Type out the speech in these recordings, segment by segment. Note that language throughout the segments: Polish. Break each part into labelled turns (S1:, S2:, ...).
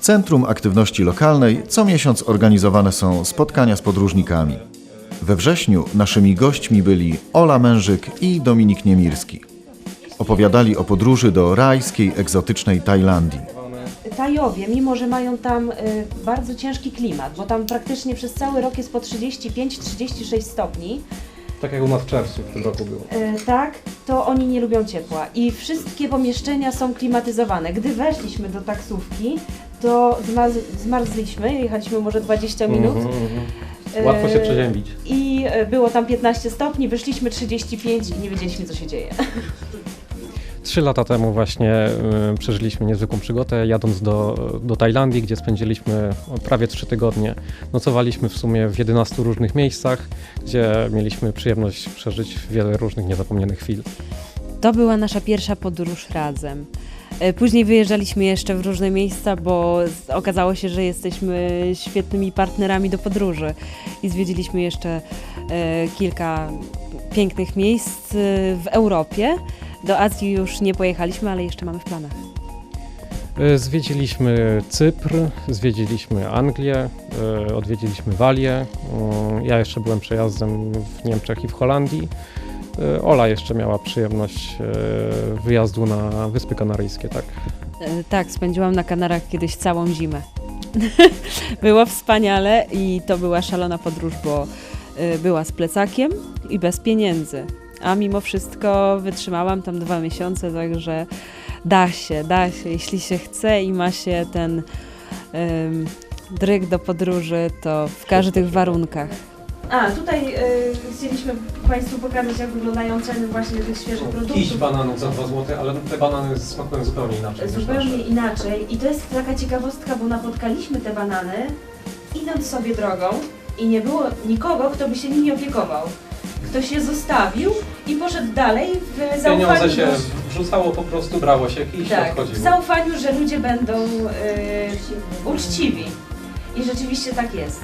S1: Centrum Aktywności Lokalnej co miesiąc organizowane są spotkania z podróżnikami. We wrześniu naszymi gośćmi byli Ola Mężyk i Dominik Niemirski. Opowiadali o podróży do rajskiej, egzotycznej Tajlandii.
S2: Tajowie, mimo że mają tam bardzo ciężki klimat, bo tam praktycznie przez cały rok jest po 35-36 stopni,
S3: Tak jak u nas w czerwcu w tym roku było.
S2: tak, to oni nie lubią ciepła i wszystkie pomieszczenia są klimatyzowane. Gdy weszliśmy do taksówki, to zmarzliśmy, jechaliśmy może 20 minut.
S3: Łatwo się przeziębić.
S2: I było tam 15 stopni, wyszliśmy 35 i nie wiedzieliśmy, co się dzieje.
S3: 3 lata temu właśnie przeżyliśmy niezwykłą przygodę, jadąc do Tajlandii, gdzie spędziliśmy prawie 3 tygodnie. Nocowaliśmy w sumie w 11 różnych miejscach, gdzie mieliśmy przyjemność przeżyć wiele różnych niezapomnianych chwil.
S4: To była nasza pierwsza podróż razem. Później wyjeżdżaliśmy jeszcze w różne miejsca, bo okazało się, że jesteśmy świetnymi partnerami do podróży i zwiedziliśmy jeszcze kilka pięknych miejsc w Europie. Do Azji już nie pojechaliśmy, ale jeszcze mamy w planach.
S3: Zwiedziliśmy Cypr, zwiedziliśmy Anglię, odwiedziliśmy Walię. Ja jeszcze byłem przejazdem w Niemczech i w Holandii. Ola jeszcze miała przyjemność wyjazdu na Wyspy Kanaryjskie, tak.
S4: Tak, spędziłam na Kanarach kiedyś całą zimę. Było wspaniale i to była szalona podróż, bo była z plecakiem i bez pieniędzy. A mimo wszystko wytrzymałam tam 2 miesiące, także da się, jeśli się chce i ma się ten dryg do podróży, to w każdych warunkach.
S2: A, tutaj chcieliśmy Państwu pokazać, jak wyglądają ceny właśnie tych świeżych produktów.
S3: Kiś bananów za 2 zł, ale te banany smakują zupełnie inaczej.
S2: Zupełnie inaczej. I to jest taka ciekawostka, bo napotkaliśmy te banany, idąc sobie drogą i nie było nikogo, kto by się nimi opiekował. Ktoś je zostawił i poszedł dalej w zaufaniu.
S3: Pieniądze się wrzucało, po prostu brało się i się
S2: tak, w
S3: odchodziło.
S2: zaufaniu, że ludzie będą uczciwi. I rzeczywiście tak jest.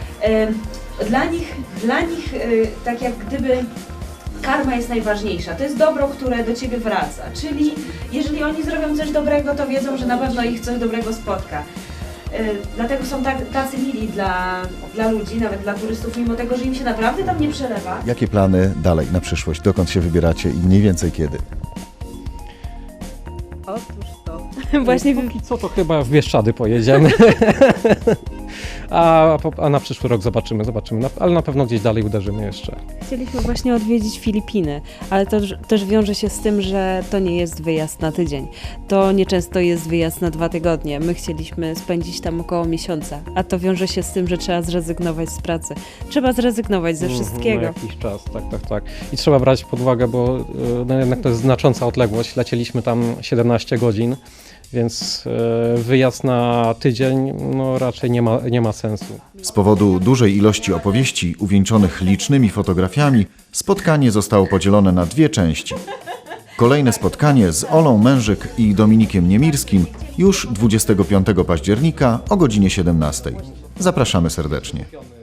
S2: Dla nich tak jak gdyby karma jest najważniejsza. To jest dobro, które do Ciebie wraca. Czyli jeżeli oni zrobią coś dobrego, to wiedzą, że na pewno ich coś dobrego spotka. Dlatego są tacy mili dla ludzi, nawet dla turystów, mimo tego, że im się naprawdę tam nie przelewa.
S1: Jakie plany dalej na przyszłość? Dokąd się wybieracie i mniej więcej kiedy?
S4: Otóż to.
S3: Właśnie póki co to chyba w Bieszczady pojedziemy. A na przyszły rok zobaczymy, ale na pewno gdzieś dalej uderzymy jeszcze.
S4: Chcieliśmy właśnie odwiedzić Filipiny, ale to też wiąże się z tym, że to nie jest wyjazd na tydzień. To nieczęsto jest wyjazd na 2 tygodnie. My chcieliśmy spędzić tam około miesiąca, a to wiąże się z tym, że trzeba zrezygnować z pracy. Trzeba zrezygnować ze wszystkiego.
S3: Na jakiś czas, tak. I trzeba brać pod uwagę, bo no jednak to jest znacząca odległość. Lecieliśmy tam 17 godzin. Więc wyjazd na tydzień no, raczej nie ma sensu.
S1: Z powodu dużej ilości opowieści uwieńczonych licznymi fotografiami spotkanie zostało podzielone na 2 części. Kolejne spotkanie z Olą Mężyk i Dominikiem Niemirskim już 25 października o godzinie 17. Zapraszamy serdecznie.